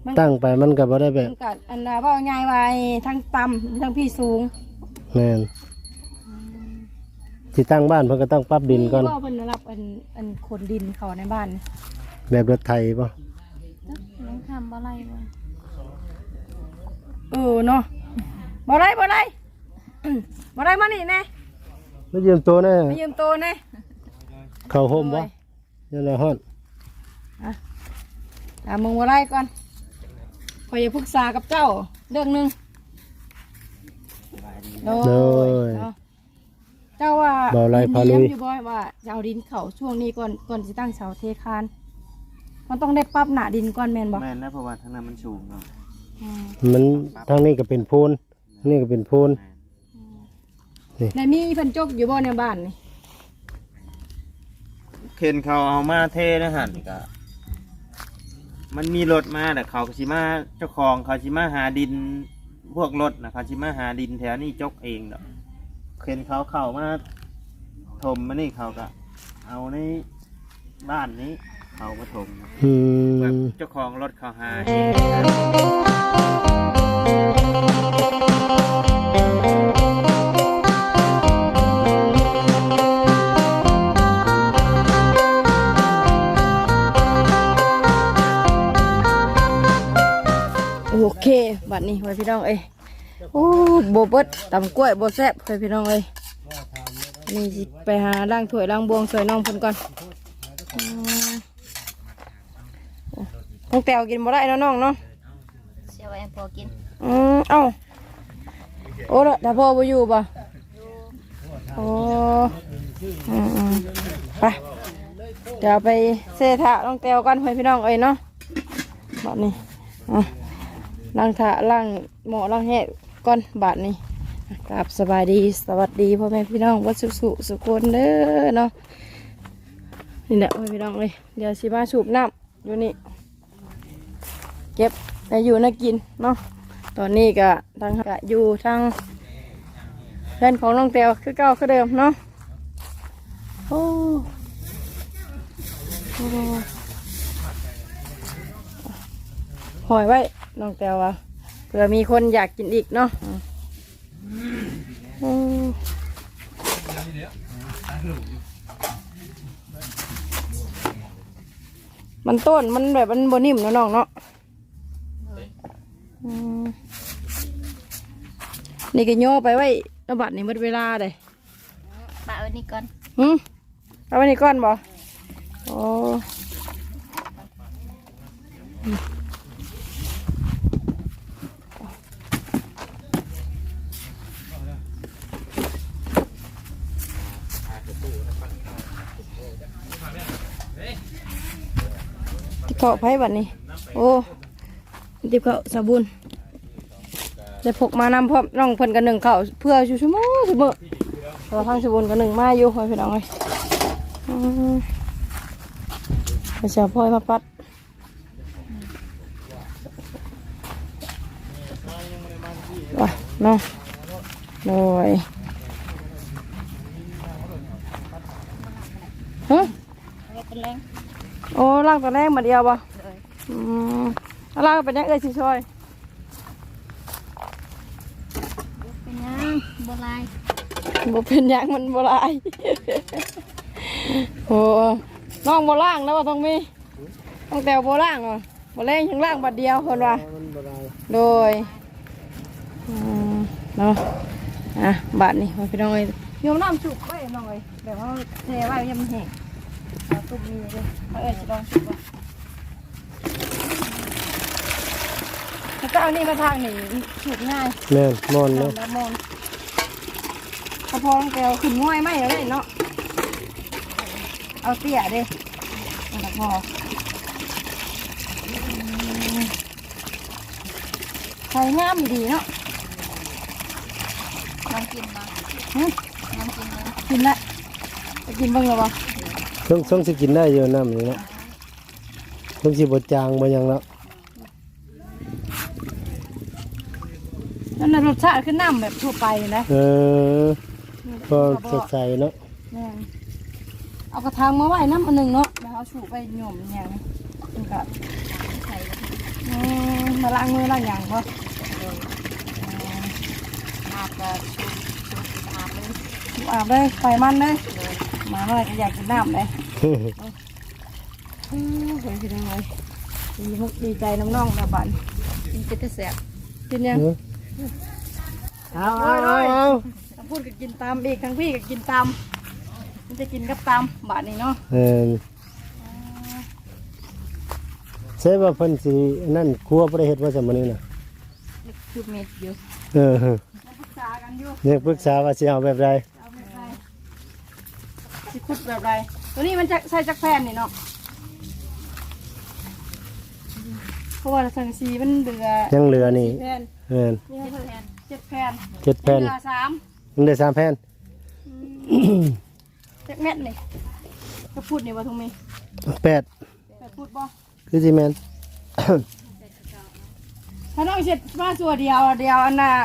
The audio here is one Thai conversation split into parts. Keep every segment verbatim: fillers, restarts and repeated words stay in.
ตั้งไปมันก็บ่ได้แบบมันก็อันน่ะว่าง่ายไว้ทั้งต่ำทั้งพี่สูงแม่นสิตั้งบ้านเพิ่นก็ต้องปรับดินก่อนก็เพิ่นรับอันอันขนดินเขาในบ้านแบบรถไถป่ะยังทำอะไรบ่เออเนาะบ่ได้บ่ได้บ่ได้มานี่แน่มายืมตัวแน่มายืมตัวแน่เข้าห่มบ่นี่แหละฮอดอ่ะถามมึงบ่ได้ก่อนขอยจะปรึกษากับเจ้าเรื่องนึงโดยเจ้าว่าบ่ไรพาลุยอยู่บ่ว่าจะเอาดินเข้าช่วงนี้ก่อนก่อนสิตั้งเสาเทคานมันต้องได้ปรับหนาดินก่อนแม่นบ่แม่นนะเพราะว่าทางนั้นมันสูงเนาะมันทางนี้ก็เป็นโพนนี่ก็เป็นโพนนี่ในมีเพิ่นจกอยู่บ่ในบ้านนี่เข็นเขาเอามาเทนะหั่นก็มันมีรถมาแต่เขาสิมาเจ้าของเขาสิมาหาดินพวกรถนะเขาสิมาหาดินแถวนี้จกเองเนาะเข็นเขาเข้ามาถมมานี่เขาก็เอาในบ้านนี้เขามาถมแบบเจ้าของรถเขาหาเองโอเคบัดนี้ไว้พี่น้องเอ้ยโอ้โบเบิดตำกล้วยโบแซ่บไว้พี่น้องเอ้ยนี่สิไปหาล้างถ้วยล้างบวงสวยน้องเพิ่นก่อนน้องแตวกินบ่ได้เนาะน้องเนาะเสียไว้พอกินอืมเอ้าโอ้ละถ้าพ่อบ่อยู่บ่โอ้อืมไปเดี๋ยวไปเซถะน้องแตวกันไว้พี่น้องเอ้ยเนาะบัดนี้อ่ะล้างถาล้างหม้อล้างแห้งก่อนบาทนี้กราบสบายดีสวัสดีพ่อแม่พี่น้องวัดสุสุสุคนเด้อเนาะนี่แหละพ่อพี่น้องเลยเดี๋ยวสิมาสูบน้ำอยู่นี่เก็บไปอยู่น่ากินเนาะตอนนี้ก็ทางกะอยู่ทางเพื่อนของน้องเตียวคือเก่าคือเดิมเนาะโอ้หอยไว้น้องแตวว่าเผื่อมีคนอยากกินอีกเนาะมันต้นมันแบบมันบนิ่มเนาะน้องเนาะนี่ก็ย่อไปไว้ระบาดนี่หมดเวลาเลยปะไว้นี่ก่อนหืมเอาไว้นี่ก่อนบ่โอ้ที่เขาไพ่บัดนี้โอ้ที่เขาสบูนได้พกมานำพร้อมน้องเพิ่นกันหนึ่งเขาเพื่อชูชั่วโมงชั่วโมงเราพังสบูนกันหนึ่งมาอยู่คอยพี่น้องเลยไปเชียวพ่อยมาปัดว่ะเนาะโดยฮะโอ้ล่างตัวแรกมาเดียวบ่อืมล่างเป็นยังเอ้ยชิช่วยเป็นยังโบราณบ่เป็นยังมันโบราณโอ้น้องโบราณแล้วว่าต้องมีต้องแต่โบราณเหรอโบราณยังล่างบัดเดียวคนว่าโดยเนาะอ่ะบาทนี่พี่น้องเอ้ยโยมน้ำสุกไว้น้องเอ้ยแบบว่าเทไว้ยังมันแห้งตุ่มมีเลยเอ้ยจะลองสุกว่าถ้าเจ้านี่มาทางนี่สุกง่ายแม่มอนเนาะมอนพอพอแกวขึ้นง่อยไหมเลยเนาะเอาเตี้ยดิพอใส่งามดีเนาะน้องกินมาน้องกินเลยกินละจะกินบ้างหรือเปล่าต้องต้องสิกินได้เยอะน้ำนี่นะต้องสิบดจางมาอย่างแล้วนั่นน่ะรสชาติคือน้ำแบบทั่วไปนะเออก็สดใสเนาะเอากระถางมาไว้น้ำอันหนึ่งเนาะแล้วเอาชูไปหย่อมอย่างนี้ก็ใส่มาล้างมือล้างอย่างบ่อาบก็ชุบชุบอาบเลยอาบเลยไฟมันเลยมาเมื่อไหร่ก็อยากกินน้ำเลยอือเฮ้ยพี่น้องเลยดีมุกดีใจน้ำน้องนะบันมันเป็นแต่แสบกินยังเอาเอาเอาเอาทั้งพูดก็กินตามอีกทั้งพี่ก็กินตามมันจะกินกับตามบาทนี่เนาะเออใช่ว่าเพิ่นสินั่นครัวบ่ได้เฮ็ดว่าซั่นมื้อนี้น่ะคือเม็ดอยู่เออมาปรึกษากันอยู่ยังปรึกษาว่าสิเอาแบบใดเอาแบบไรสิคุดแบบไรตัวนี้มันจะใส่จักแผ่นนี่เนาะเพราะว่าสังสีมันเหลือยังเหลือนี่สี่แผ่นเออนี่เพิ่นเจ็ดแผ่นเจ็ดแผ่นเหลือสามยังได้สามแผ่นจักเม็ดนี่ก็พูดนี่ว่าทุกมีแปดแต่พูดบ่คือสิแม่นถ้าน้องเสร็จมาส่วนเดียวเดียวอันน่ะ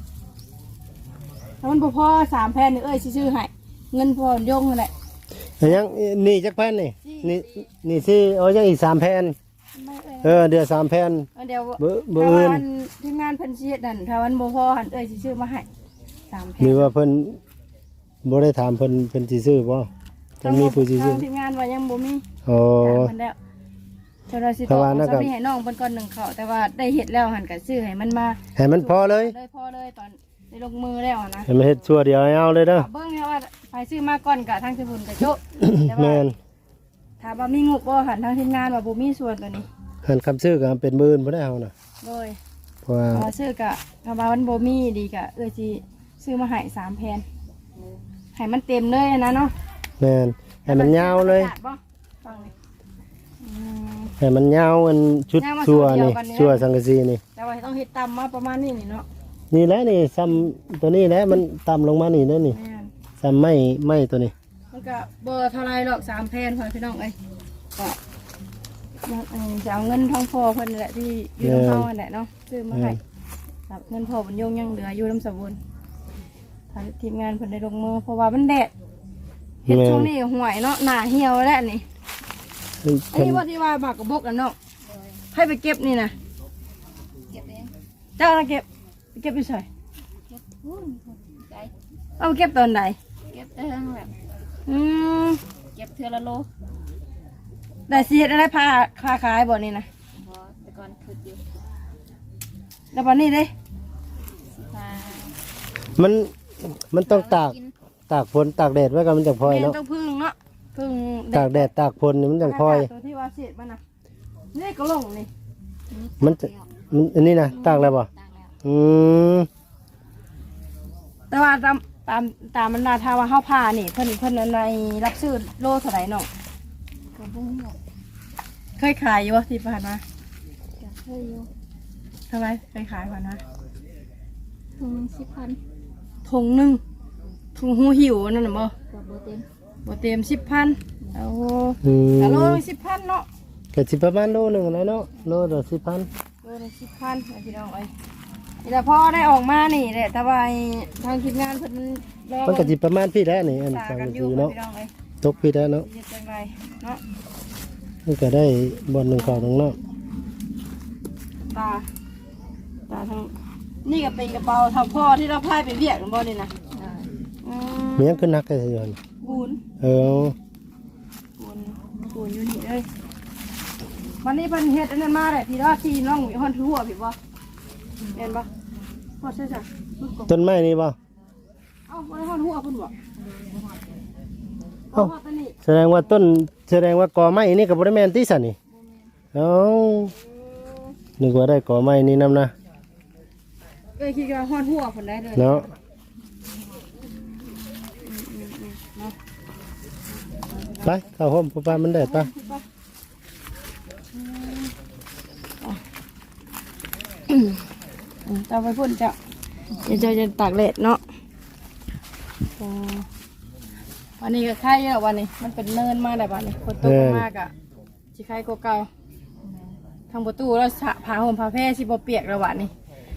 ถ้ามันบ่พอสามแผ่นนี่เอ้ยสิซื้อให้เงินพอยงนั่นแหละยังนี่จักแผ่นนี่นี่นี่สิเอายังอีกสามแผ่นไม่เอ้ยเออเดือสามแผ่นเอาเดี๋ยวเบิ่เบิ่ถ้าอื่นวันทีมงานเพิ่นสิเฮ็ดนั่นถ้าวันบ่พอหันเอ้ยสิซื้อมาให้สามแผ่นหรือว่าเพิ่นบ่ได้ถามเพิ่นเพิ่นสิซื้อบ่จะมีผู้สิซื้อทางทีมงานว่ายังบ่มีอ๋อถามเพิ่นแล้วเจ้าหน้าที่เพราะว่านั่นก็จะมีให้น้องเพิ่นก่อนหนึ่งเขาแต่ว่าได้เฮ็ดแล้วหันก็ซื้อให้มันมาให้มันพอเลยเลยพอเลยตอนได้ลงมือแล้วอะนะให้มันเฮ็ดชั่วเดียวให้เอาเลยเด้อเบิ่งเนี่ยว่าไปซื้อมาก่อนกะทางสมุนกะโจะแต่ว่าแม่นถามว่ามีงบบ่หันทางทีมงานว่าบ่มีส่วนตัวนี้หันคำซื้อก็เป็นหมื่นบ่ได้เอาน่ะโดยเพราะว่าพอซื้อกะถ้าว่ามันบ่มีดีกะเอ้ยสิซื้อมาให้สามแผ่นให้มันเต็มเลยนะเนาะแม่นให้มันยาวเลยกระดาษบ่ฟังนี่อืมให้มันยาวมันชุดยาวมาชั่วส่วนเดียวนี่กันเนี่ยชั่วสังกะสีนี่แต่ว่าต้องเฮ็ดตามมาประมาณนี้นี่เนาะนี่แหละนี่ซ้ำตัวนี้แหละมันต่ำลงมานี่เด้อนี่แม่นซ้ำไม่ไม่ตัวนี้มันก็เบอร์เท่าไรหรอกสามแผ่นพอพี่น้องเอ้ยก็ยังเอ่อจะเอาเงินทองพอเพิ่นนี่แหละที่อยู่น้ำเฮานั่นแหละเนาะซื้อมาให้ครับเงินพอบรรยงยังเหลืออยู่น้ำสมบูรณ์ทางทีมงานเพิ่นได้ลงมือเพราะว่ามันแดดเฮ็ดช่วงนี้ก็ห่วยเนาะหน้าเหี่ยวแล้วนี่มันอันเพิ่นนี้ว่าที่ว่าบากกระบกกันเนาะให้ไปเก็บนี่นะเก็บเองเจ้าน่ะเก็บไปเก็บไปใส่เก็บพูนใจเอาไปเก็บตอนไหนเก็บได้ทั้งแบบอืมเก็บเทือละโลได้สิเฮ็ดอะไรพาคาขายบ่นี่นะพอแต่ก่อนคืออยู่แล้วบัดนี้เด้สิพามันมันต้องตากกินตากฝนตากแดดไว้ก็มันจังพลอยแม่นเนาะต้องพึ่งเนาะพึ่งตากแดดตากฝนนี่มันจังพลอยตัวที่ว่าเสียดมันนะนี่ก็ลงนี่มันจะมันอันนี้นะตากแล้วบ่ตากแล้วอืมแต่ว่าตามตามตามมันนาถ้าว่าเฮาพานี่เพิ่นเพิ่นในรับซื้อโลเท่าไหร่เนาะกระบุ้งหมดเคยขายอยู่บ่ที่ผ่านมาจะเคยอยู่เท่าไหร่เคยขายผ่านมาถุงสิบพันถุงหนึงถุงหูหิวนั่นน่ะบ่กับโบเต็มบ่เต็มสิบพันเอาอืมแต่โลสิบพันเนาะก็สิประมาณโลหนึงแล้วเนาะโลละสิบพันโลละสิบพันพี่น้องเอ้ยนี่แหละพอได้ออกมานี่แหละแต่ว่าไอ้ทางทีมงานเพิ่นรอมันก็สิประมาณพี่แล้วนี่อันตาสังกักะนอสียู่เนาะพี่น้องเอ้ยตกพี่แล้วเนาะสิเฮ็ดจังไดเนาะมันก็ได้บ่อนหนึงเข้าตรงเนาะตาตาทางนี่ก็เป็นกระเป๋าทำพ่อที่เราพายไปเวียกกันบ่นี่นะอืมมีหยังขึ้นนักได้สิยอนบุญเออบุญบุญอยู่นี่เลยวันนี้เพิ่นเฮ็ดอันนั้นมาเลยพี่ว่าที่น้องมีฮอนทั่วพี่บ่เห็นบ่ฮอดใช่จ้ะต้นไม้นี่บ่เอ้าบ่ได้ฮอดหัวเพิ่นบ่เอ้าฮอดตอนนี้แสดงว่าต้นแสดงว่ากอไม้นี่ก็บ่ได้แม่นติซั่นนี่เอ้านึกว่าได้กอไม้นี่นํนะเอ้ยคิดว่าฮอดหัวเพิ่นได้เลยเนาะไปเข้าห้องพ่อป้ามันได้ปะอืมจะไปพุ่นจ้ะเดี๋ยวจะจะตากแดดเนาะอ๋อวันนี้ก็ไข่เยอะวันนี้ มันเป็นเนินมาแต่วันนี้ฝนตกมากอ่ะสิไข่กว่าเก่าทางประตูแล้วสะผ้าห่มผ้าแพร่สิบ่เปียกแล้ววันนี้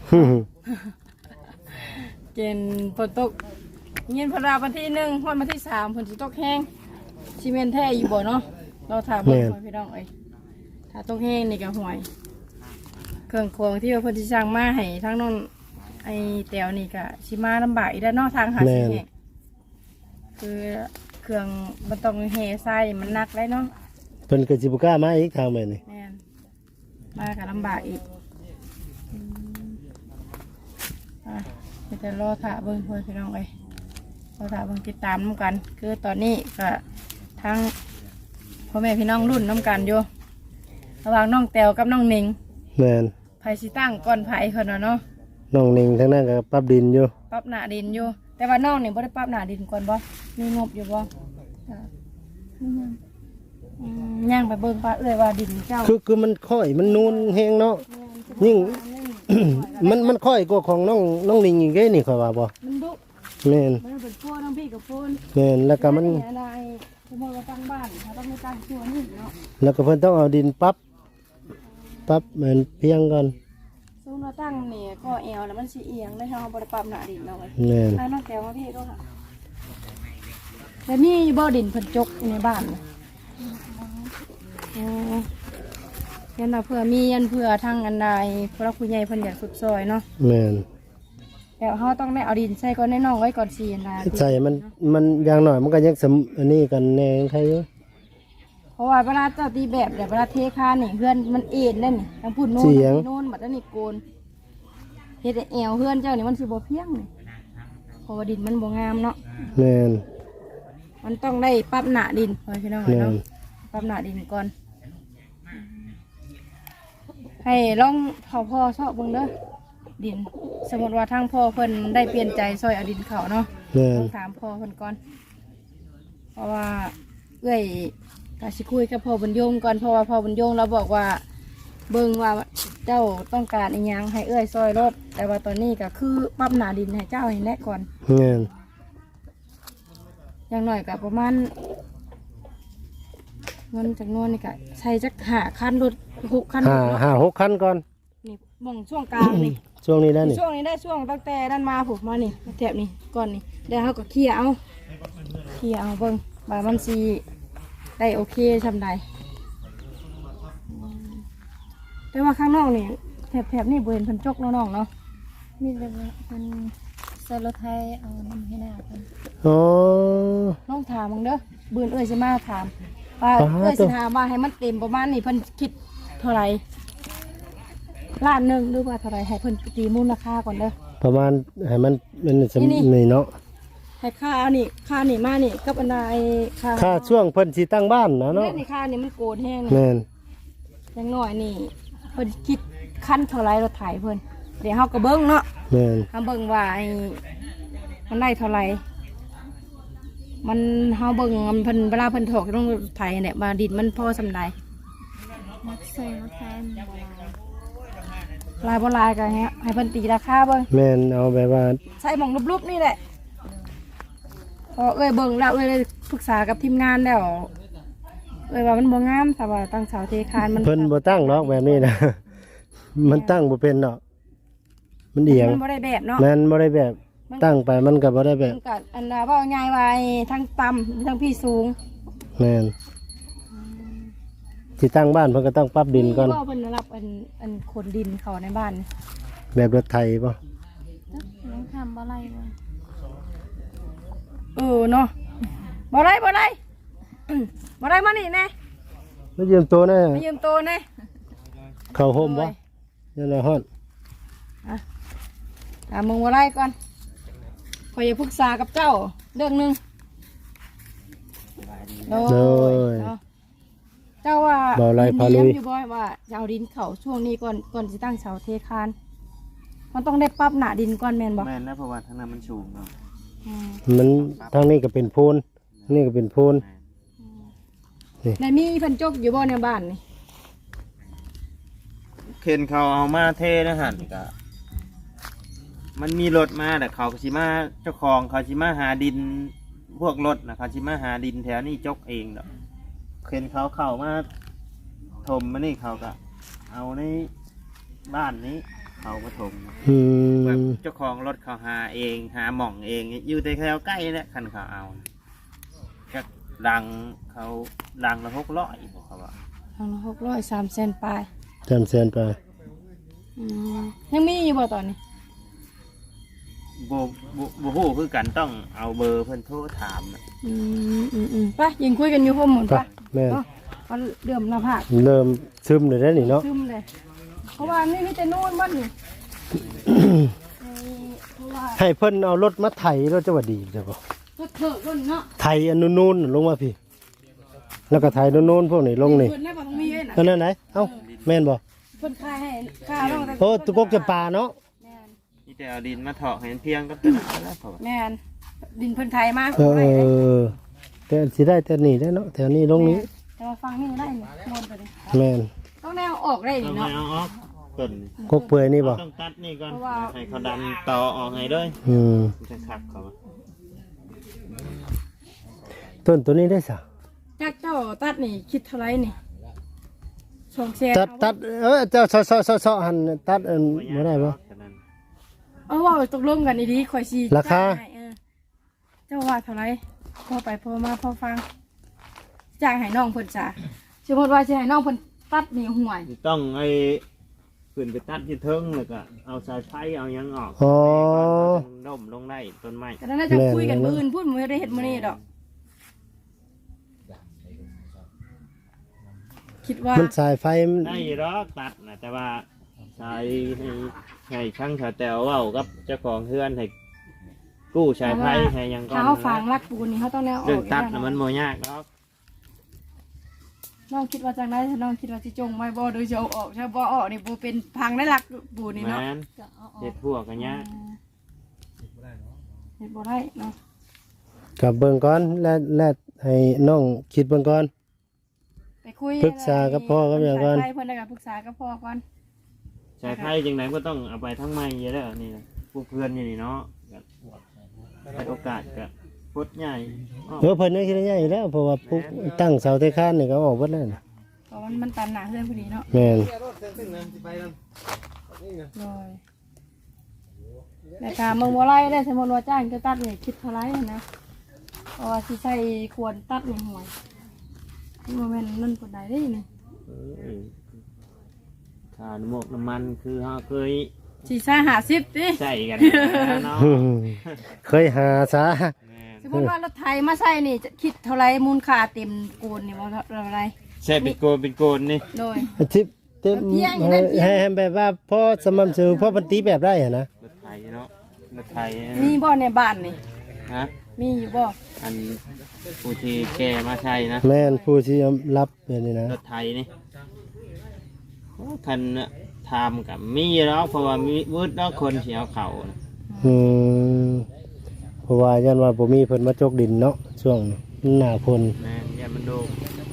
เกณฑ์ฝนตกเย็นพราวันที่หนึ่งวันวันที่สามฝนสิตกแห้งซีเมนต์แท้อยู่บ่เนาะเราถามเบิ่งพี่น้องเอ้ยถ้าตกแห้งนี่ก็ห่วยเครื่องของที่ว่าเพิ่นสิสั่งมาให้ทั้งน้องไอ้แตวนี่ก็สิมาลำบากอีกแล้วเนาะทางหาสิแห่คือเครื่องมันต้องแห่ทรายมันหนักได้เนาะเพิ่นก็สิบ่กล้ามาอีกทางแม่นี่แม่นมาก็ลำบากอีกอืมอ่ะเดี๋ยวจะรอถ่าเบิ่งเพื่อนพี่น้องเอ้ยรอถ่าเบิ่งติดตามน้ำกัน คือตอนนี้ก็ทั้งพ่อแม่พี่น้องรุ่นน้ำกันอยู่ระหว่างน้องแตวกับน้องหนิงแม่นไผสิตั้งก่อนไผคนน่ะเนาะน้องนิ่งทางนั้นก็ปรับดินอยู่ปรับหน้าดินอยู่ แต่ว่าน้องนี่บ่ได้ปรับหน้าดินก่อนบ่มีงบอยู่บ่จ้ะนี่ยังอืมย่างไปเบิ่งว่าเอ้ยว่าดินเจ้าคือคือมันค่อยมันนูนแฮงเนาะยิ่ง มันมันค่อยกว่าของน้องน้องนิ่งอีกเด้นี่ข่อยว่าบ่มันดุแม่นมันเป็นพวกทั้งพี่กับพูนแม่นแล้วก็มันอะไรสมมติว่าตั้งบ้านเขาต้องไม่ตั้งชัวนี่เนาะแล้วก็เพิ่นต้องเอาดินปรับปรับเหมือนเพียงก่อนสมมติว่าตั้งนี่ก็เอวแล้วมันสีเอียงได้ทางบริปรับหน้าดินเราไว้แม่นถ้าน้องแก้วมาพี่ก็ค่ะแต่นี่บ่อดินเพิ่นจกในบ้านน่ะอ๋อยันว่าเพื่อมียันเพื่อทางอันใดเพราะคุณใหญ่เพิ่นอยากสุดซอยเนาะแม่นแต่เขาต้องได้เอาดินใส่ก่อนในน้องไว้ก่อนสีอันใดใส่มันมันอย่างน้อยมันก็ยังสำอันนี้กันแน่ใครอยู่เพราะว่าเวลาเจ้าตีแบบแบบเวลาเทคานนี่เพื่อนมันเอ็นได้นี่ทางพุ่นโน่นทางนี่โน่นบัดนั้นนี่โกนเฮ็ดให้แอวเพื่อนเจ้านี่มันสิบ่เพียงนี่เพราะว่าดินมันบ่งามเนาะแม่นมันต้องได้ปรับหน้าดินพอพี่น้องแม่เนาะนปรับหน้าดินก่อนให้ลองพ่อพ่อชอบเบิ่งเด้อดิน สมมติว่าทางพ่อเพิ่นได้เปลี่ยนใจซอยเอาดินเขาเนาะแม่นต้องถามพ่อเพิ่นก่อน เพราะว่าเอ้อยกาสิคุยกับพ่อบุญยงก่อนเพราะว่าพ่อบุญยงเราบอกว่า เบิ่งว่าเจ้าต้องการอีหยังให้เอ้อยซอยรถแต่ว่าตอนนี้ก็คือปรับหน้าดินให้เจ้าให้แน่ก่อนแม่นอย่างน้อยก็ประมาณเงินจำนวนนี่ก็ใช้จักหาคันรถหกคันรห้าถเนาะห้าหกคันก่อนนี่มองช่วงกลางนี่ช่วงนี้ได้นี่ช่วงนี้ได้ช่วงตั้งแต่ด้านมาผมมานี่มาแถบนี่ก่อนนี่แล้วเขาก็เคลียร์เอาเคลียร์เอาเบิ่งบามันสีได้โอเคทำได้แต่ว่าข้างนอกนี่แถบแถบนี่บริเวณพันจกเนาะน้องเนาะมีแต่ว่ามันใส่รถไทยเอาน้ำให้หน้าเพิ่นอ๋อน้องถามมึงเด้อบืนเอ้ยสิมาถามว่าอ๋อเอ้ยสิถามว่าให้มันเต็มประมาณนี่เพิ่นคิดเท่าไหร่ล้านหนึ่งหรือว่าเท่าไหร่ให้เพิ่นตีมูลค่าก่อนเด้อประมาณให้มันมันสำนี่นี่เนาะให้ค่านี่ค่านี่มานี่กับอันใดค่าค่าช่วงเพิ่นสิตั้งบ้านนะเนาะเนาะนี่ค่านี่มันโกนแห้งนี่แม่นอย่างน้อยนี่เพิ่นคิดขั้นเท่าไหร่รถไถเพิ่นเดี๋ยวเฮาก็เบิ่งเนาะแม่นเฮาเบิ่งว่าไอ้มันได้เท่าไหร่มันเฮาเบิ่งมันเพิ่นเวลาเพิ่นถอกต้องรถไถเนี่ยมาดินมันพอสำใดมักใส่รถไทยมันบ่หลายลายบ่ลายก็ให้ให้เพิ่นตีราคาเบิ่งแม่นเอาแบบว่าใส่หม่องรูปๆนี่แหละพอเอ้ยเบิ่งแล้วเอ้ยได้ปรึกษากับทีมงานแล้วเอ้ยว่ามันบ่งามแต่ว่าตั้งเสาเทคานมันเพิ่นบ่ตั้งหรอกแบบนี้นะ มันตั้งบ่เป็นเนาะมันเอียงมันบ่ได้แบบเนาะแม่นบ่ได้แบบตั้งไปมันก็บ่ได้แบบมันก็อันน่ะว่าง่ายว่าทั้งต่ำทั้งพี่สูงแม่นที่ตั้งบ้านเพิ่นก็ต้องปรับดินก่อนว่าเพิ่นรับอันอันขนดินเขาในบ้านนี่แบบรถไถบ่ยังทำบ่ไรบ่เออเนาะบ่ได้บ่ได้อืมบ่ได้มานี่แน่มายืมตัวนะมายืมโตแน่เข้าห่มบ่ยันละฮ้อนอ่ะถามมึงบ่ได้ก่อนขอยอยากปรึกษากับเจ้าเรื่องหนึงโดโดยยเนาะเจ้าว่าบ่ไรพาลุยดินเลี้งอยู่บ่อยว่าจะเอาดินเขาช่วงนี้ก่อนก่อนสิตั้งเสาเทคานมันต้องได้ปรับหน้าดินก่อนแม่นบ่แม่นนะเพราะว่าทางนั้นมันสูงเนาะอืมมันทางนี้ก็เป็นโพนนี่ก็เป็นโพนในมีเพันจกอยู่บ่ในบ้านนี่เข็นเขาเอามาเทนะหันก็มันมีรถมาแต่เขาก็สิมาเจ้าของเขาสิมาหาดินพวกรถนะเขาสิมาหาดินแถวนี้จกเองดอกเข็นเขาเข้ามาถมมานี่เขาก็เอาในบ้านนี้เขามาถมอืแบบมเจ้าของรถเขาหาเองหาหม่องเองอยู่ในแถวใกล้แหละคันเขาเอาก็ดังเขาดังละหกร้อยบอกเขาว่าทางละหกร้อยสามเซนปลายจำแสนไปยังมีอยู่บ่ตอนนี้บ่บ่บ่ฮู้คือกันต้องเอาเบอร์เพิ่นโทรถามน่ะอืมอืมอืมไปยิงคุยกันอยู่พร้อมหมดไปปะแม่นเนาะเอาเดือมหน้าผากเริ่มซึมเลยได้อนี่เนาะซึมเลยเพราะว่านี่มีแต่นู่นบ้านนี่เออเพราะว่าให้เพิ่นเอารถมาไถรถจะว่าดีจ้ะบ่รถเถิดรุ่นเนาะไถอันนู้นๆลงมาพี่ แล้วก็ไถนู้นๆพวกนี้ลงนี่เพิ่นได้บ่ต้องมีเว้ยน่ะอันนั้นไหนเอ้าแม่นบ่เพิ่นคายให้ค่าลงแต่โอ้ตุกกจะปลาเนาะแม่นนี่แต่เอาดินมาเถาะให้มันเพียงก็เป็นแล้วพอแม่นดินเพิ่นไทยมาเอไว้เลยอแต่สิได้แต่นี่ได้เนาะแถวนี้ลงนี้แต่ว่าฟังนี่ได้นี่มวนไปเลยแม่นต้องแนวออกได้ต้อนี่งเนาะเอาออกต้นกกเปื่อยนี่บ่ต้องตัดนี่ก่อนเพราะว่าให้เขาดันต่อออกให้ด้วยอืมมันจะขับเขามาต้นตัวนี้ได้ซะจากเจ้าตัดนี่คิดเท่าไหร่นี่สองแสนตัดตัดเออเจ้าซอๆๆๆหั่นตัดอันบ่ได้บ่ฉะนั้นเอาว่าตกลงกันดีๆข่อยสิราคาจ่ยให้เออเจ้าว่าเท่าไหร่พอไปพอมาพอฟังจ้างให้น้องเพิ่นจ้ะสมมติว่าสิให้น้องเพิ่นตัดนี่ห่วยต้องไอ้ขึ้นไปตัดที่เทิงแล้วก็เอาสายไฟเอาหยังออกอ๋อล่มลงได้ต้นไม้แต่นั้นน่าจะแม่นคุยกันแม่นมื้ออื่นพูดบ่ได้เฮ็ดมื้อนี้ดอก คิดว่ามันสายไฟมันได้หรอกตัดนะแต่ว่าสายให้ให้ช่างชาแตวเว้ากับเจ้าของเฮือนให้กู้สายไฟให้หยังก่อนถ้าเขาฝังรักปูนนี่เขาต้องแนวออกเรื่องตัดย่างน่ะมันโมยากหรอกน้องคิดว่าจังไดถ้าน้องคิดว่าสิจงไว้บ่โดยจะเอาออกถ้าบ่ออกนี่บ่เป็นพังได้รักปูนนี่แมเนาะนก็เอาออเฮ็กดพวกกันเนี้ยเฮ็ดบ่ได้เนาะกับเบิ่งก่อนและและให้น้องคิดเบิ่งก่อนไปคุยปรึกษากับพ่อกับแม่ก่อนไปเพิ่นได้ก็ปรึกษากับพ่อก่อนสายไฟจังไหนก็ต้องเอาไปทั้งไม้เยอะแล้วนี่นะพวกเพื่อนอยู่นี่เนาะก็ให้โอกาสก็พุดใหญ่อ้อเออเพิ่นยังคิดได้อยู่แล้วเพราะว่าปุ๊บตั้งเสาเตะคานนี่ก็ออกเบิดแล้วน่ะเพราะมันมันตันหนาเพื่อนพอดีเนาะแม่นเลยแต่การมึงบ่ไล่ได้สมมุติว่าจ้างจะตัดนี่คิดเท่าไหร่นะเพราะว่าสิใช้ควรตัดนี่ห่วยนี่บ่แม่นนั่นปานใดเด้นี่เออค่าน้ำมกน้ำมันคือเฮาเคยสิใช้ห้าสิบติใส่กันเนาะเคยหาซะแม่นสมมุติว่ารถไถมาใช้นี่จะคิดเท่าไหร่มูลค่าเต็มโกนนี่บ่เท่าไหร่ใช่เป็นโกนเป็นโกนนี่โดยทิปเต็มเพียงให้นั่นเพียงให้ให้แบบว่าพอสม่ำเสมอพอปฏิแบบได้อะนะรถไถเนาะรถไถมีบ่ในบ้านนี่ฮะมีอยู่บ่อันผู้ที่แกมาใช่นะแม่นผู้ที่รับแบบนี้นะรถไถนี่โอ้คันน่ะทำกับมีแล้วเพราะว่ามีวืดแล้วคนเสียวเขาน่ะอืมเพราะว่ายันว่าบ่มีเพิ่นมาจกดินเนาะช่วงนี้หน้าฝนแม่นอย่ามันโดน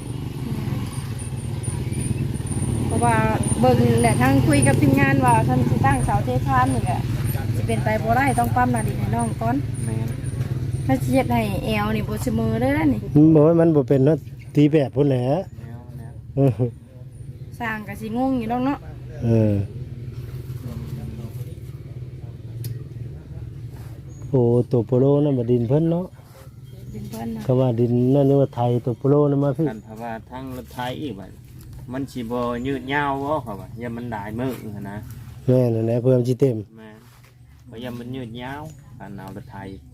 เพราะว่าเบิ่งแหละทางคุยกับทีมงานว่าท่านสิตั้งเสาเทคานนี่ก็สิเป็นไปบ่ได้ต้องปั๊มหน้าดินให้น้องก่อนแม่นถ้าสิเฮ็ดให้แอวนี่บ่เสมอเด้อนะนี่มันบ่ว่ามันบ่เป็นเนาะตีแบบพุ่นแหละแล้วแล้วเออสร้างก็สิงงอยู่ดอกเนาะเออโอ้ตัวโปโลนั่นบ่ดินเพิ่นเนาะดินเพิ่นนะก็ว่าดินนั่นนี่ว่าไทยตัวโปโลนั่นมาพี่กันเพราะว่าทั้งรถไถอีกบัดมันสิบ่ยืดยาวบ่เขาว่าอย่ามันได้มือหั้นนะแม่นั่นแหละเพิ่มสิเต็มแม่นเพราะอย่ามันยืดยาวการเอารถไถ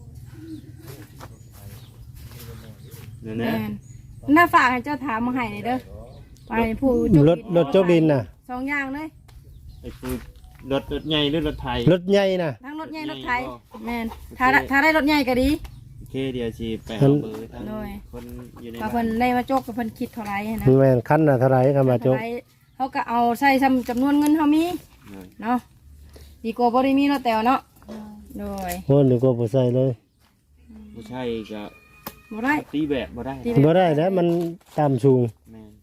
นั่นแม่นะนน่าฝากให้เจ้าถามมาให้นี่เด้อไปผู้จกรถรถจกดินน่ะสองอย่างเลยไอ้คือรถรถใหญ่หรือรถไถรถใหญ่น่ะทั้งรถใหญ่รถไถแม่นถ้าได้ถ้าได้รถใหญ่ก็ดีโอเคเดี๋ยวสิไปเอาเบอร์ทั้งโดยคนอยู่ในว่าบ้าเพิ่นนได้มาจกกับเพิ่นคิดเท่าไหร่นะแม่นคันน่ะเท่าไหร่คำว่าจกเท่าไหร่เขาก็เอาใส่จำจำนวนเงินเขามีเลยเนาะดีกว่าบ่ได้มีเนาะแต่วเนาะโดยโอ้นึกว่าบ่ใส่เลยผู้ชายก็บ่ได้ตีแบบบ่ได้ตีบ่ได้แล้วมันต่ำสูงแม่น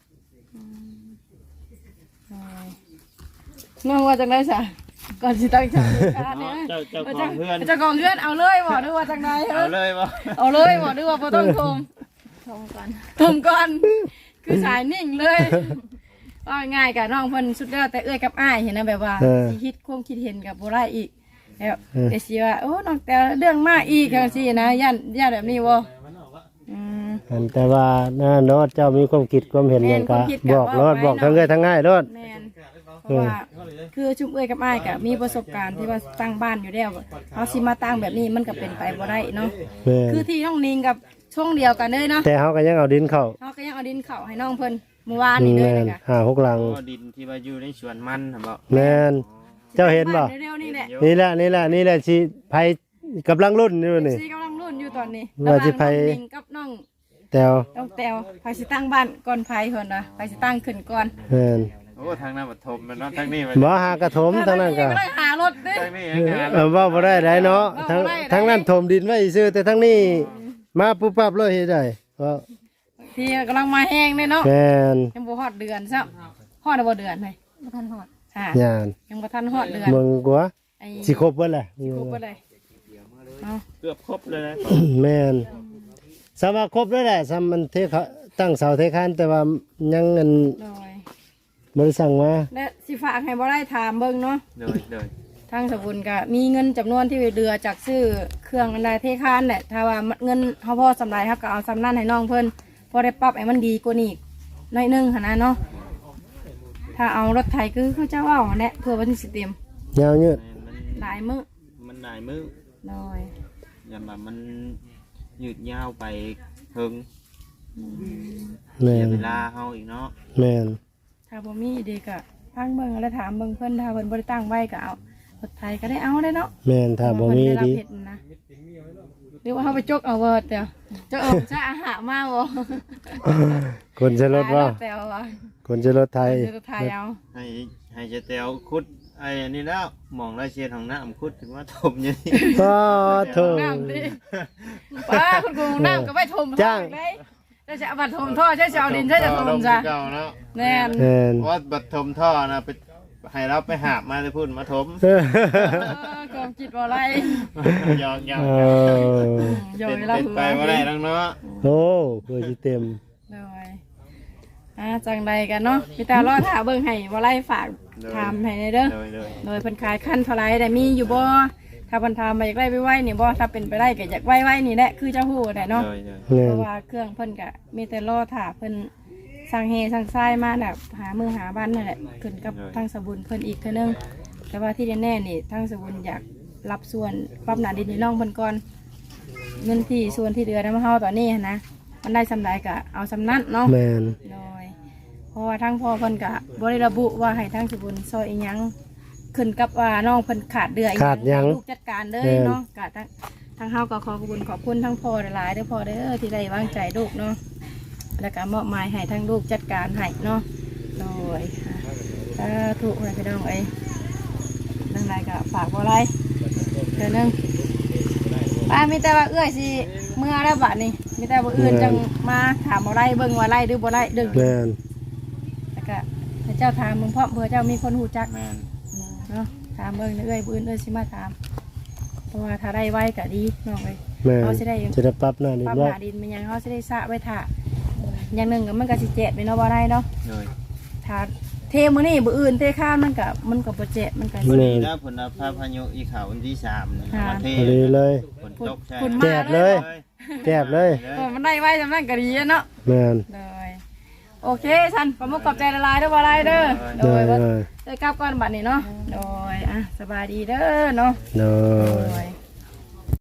น้องว่าจังได๋ซะก่อนสิตั้งใจการเนี่ยเจ้าเจ้าของเพื่อนเจ้าของเพื่อนเอาเลยบ่หรือว่าจังได๋เอาเลยบ่เอาเลยบ่หรือว่าบ่ต้องทมทงก่อนทมก่อน คือสายนิ่งเลยว่าง่ายกับน้องเพิ่นสุดแล้วแต่เอื้อยกับอ้ายเห็นนะแบบว่าสิคิดความคิดเห็นกับบ่ได้อีกแล้วเดี๋ยวสิว่าโอ้น้องแต่เรื่องมากอีกจังซี่นะย่านย่านแบบนี้บ่อืมอันแต่ว่าน่าเนาะเจ้ามีความคิดความเห็นหยังก็บอกรอดบอกทั้งเอ้ยทั้งง่ายรอดแม่นเพราะราะว่าคือชุมเอ้ยกับอ้ายก็มีประสบการณ์ที่ว่าตั้งบ้านอยู่แล้วเขาสิมาตั้งแบบนี้มันก็เป็นไปบ่ได้เนาะแม่นคือที่น้องนิงกับช่วงเดียวกันเลยเนาะแต่เฮาก็ยังเอาดินเข้าเขาก็ยังเอาดินเข้าให้น้องเพิ่นเมื่อวานนี้เลยแม่นเลยค่ะห้าหกหลังก็ดินที่ว่าอยู่ในสวนมันหั่นบ่แม่นเจ้าเห็นบ่เร็วๆนี่แหละนี่แหละนี่แหละนี่แหละสิไผกำลังรุ่นอยู่นี่ซีกำลังรุ่นอยู่ตอนนี้ว่าสิไผระหว่างน้องนิงกับน้องแต่วน้องแตวไผสิตั้งบ้านก่อนไผเพิ่นนะไผสิตั้งขึ้นก่อนแม่นโอ้ทางนั้นปฐมมันเนาะทางนี้มันบ่หากระถมทั้งนั้นก็ได้หารถเด้ทางนี้ยังงานเออเว้าบ่ได้ได้เนาะทั้งทั้งนั้นถมดินไว้ซื่อแต่ทั้งนี้มาปุ๊บปั๊บเลยเฮ็ดได้เพราะที่กำลังมาแห้งเลยเนาะแม่นยังบ่ฮอดเดือนซะฮอดบ่เดือนเลยบ่ทันหอดค่ะย่านยังบ่ทันฮอดเดือนเบิ่งกว่าไอ้สิครบเบิดแหละสิครบบ่ได้เนาะเกือบครบเลยนะแม่นสำว่าครบแล้วแหละสำมันเทเขาตั้งเสาเทคานแต่ว่ายังเงินโดยบ่ได้สั่งมาและสิฝากให้บ่ได้ถามเบิ่งเนาะเลยเลยทางสบุญก็มีเงินจำนวนที่เดือจากซื้อเครื่องอันใดเทคานแหละถ้าว่าเงินเฮาพอสำไรครับก็เอาสำนั้นให้น้องเพิ่นพอได้ปรับให้มันดีกว่านี้อีกหน้อยหนึงหั่นนะเนาะถ้าเอารถไถคือเขาเจ้าเอาแหละเพื่อวันที่สิเต็มยาวยืดมันหลายมื้อมันหลายมือน้อยอย่ามามันยืดยาวไปเพิ่งแม่เสียนเวลาเฮาอีกเนาะแม่นถ้าบ่มีดีก็ฟังเบิ่งแล้วถามเบิ่งเพิ่นถ้าเพิ่นบ่ได้ตั้งไว้ก็เอารถไถก็ได้เอาได้เนาะแม่นถ้าบ่มีเพระว่เพิ่นไรับดีเฮ็นะหรือว่าเฮาไปจกเอาเวิร์ดเดี๋ยวจกเอาซะอาหารมาบ่คนจะรถว่าแต่ว่าคนจะรถไทยรถไถเอาให้ให้เจะแตวคุดไอ้อันนี้แล้วมองราเชียนของน้ำคุดถึงว่าถมอย่างนี้ก็โถน้ำดิป้าคุณครูน้ำก็ไปถมจ้างเลยจะจะเอาบัตรถมท่อใช้จะเอาดินใช้จะถมจ้ะเก่าเนาะแน่นแม่นว่าบัดถมท่อนะไปให้เราไปหาบมาเลยพูดมาถมเออเออกองจิตบ่ไรยองยองเออโยเป็ยนเราเป็นหัวไปว่าได้ทั้งเนาะโอ้เพื่อสิเต็มเลยอ่าจังใดกันเนาะพี่ตารอถาเบิ่งให้บ่ไรฝากถามให้ในเด้อเลยเลยโดยเพิ่นขายขั้นเท่าไรได้มีอยู่บ่ถ้าเพิ่นถามมาอยากได้ไว้ๆนี่บ่ถ้าเป็นไปได้ก็อยากไว้ๆนี่แหละคือเจ้าฮู้ได้เนาะเลยเลยแม่เพนราะว่าเครื่องเพิ่นก็มีแต่รอถาเพิ่นสั่งเฮสั่งทรายมาแบบหามือหาบ้านนั่นแหละขึ้นกับทางสบุญเพิ่นอีกเท่านึงแต่ว่าที่แน่ๆนี่ทางสบุญอยากรับส่วนปรับหนาดินในร่องเพิ่นก่อนเงินที่ส่วนที่เดือน้ำเฮาตอนนี้หั้นนะมันได้สำไรก็เอาสำนั้นเนาะแม่นโดยเพราะว่าทั้งพ่อเพิ่นก็บ่ได้ระบุว่าให้ทางสบุญซอยอีหยังขึ้นกับว่าน้องเพิ่นขาดเดืออีหขาดหยังให้ลูกจัดการเลยเนาะก็ทั้งทางเฮาก็ขอขอบคุณขอบคุณทั้งพ่อหลายๆเด้อพ่อเด้อที่ได้วางใจลูกเนาะ แล้วก็มอบหมายให้ทั้งลูกจัดการให้เนาะโดยค่ะถ้าถูกอะไรพี่น้องเอ้ยดังไรก็ฝากบ่ไรเดี๋ยวนึงป้ามีแต่ว่าเอื้อยสิเมื่อแล้วบัดนี้มีแต่ว่าอื่นจังมาถามบ่ไรเบิ่งว่าไรหรือบ่ไรเดึงแม่นแล้วก็ให้เจ้าถามมึงเพราะเผื่อเจ้ามีคนหูจักแมนเนาะถามเบิ่งเอื้อยบ่อื่นเอื้อยสิมาถามเพราะว่าถ้าได้ไว้ก็ดีน้องเอ้ยแม่นเขาสิได้จะได้ปรับหน้าดินปั๊มว่าหาดินมันยังเขาสิได้สระไว้ถ่าอย่างหนึ่งก็มันก็สิเจ็ดไปเนาะบ่ได้เนาะเลยถ้าเทมื้อนี้บ่อื่นเทข้าวมันก็มันก็บ่เจ็บมันก็วันสินี้นะผลพาพายุอีขาววันที่สามเนี่ยค่ะมาเทพอดีเลยฝนตกใช่คุณแจมาบเลย แจบเลยเออมันได้ไว้จำนั้นก็ดีอะเนาะแม่นเลยโอเคท่านขอมุกขอบใจละลายเด้อบ่ไรเด้อโดโดยยโดว่าย เอ้ยกลับก่อนบัดนี้เนาะโดยอ่ะสบายดีเด้อเนาะโดโดยย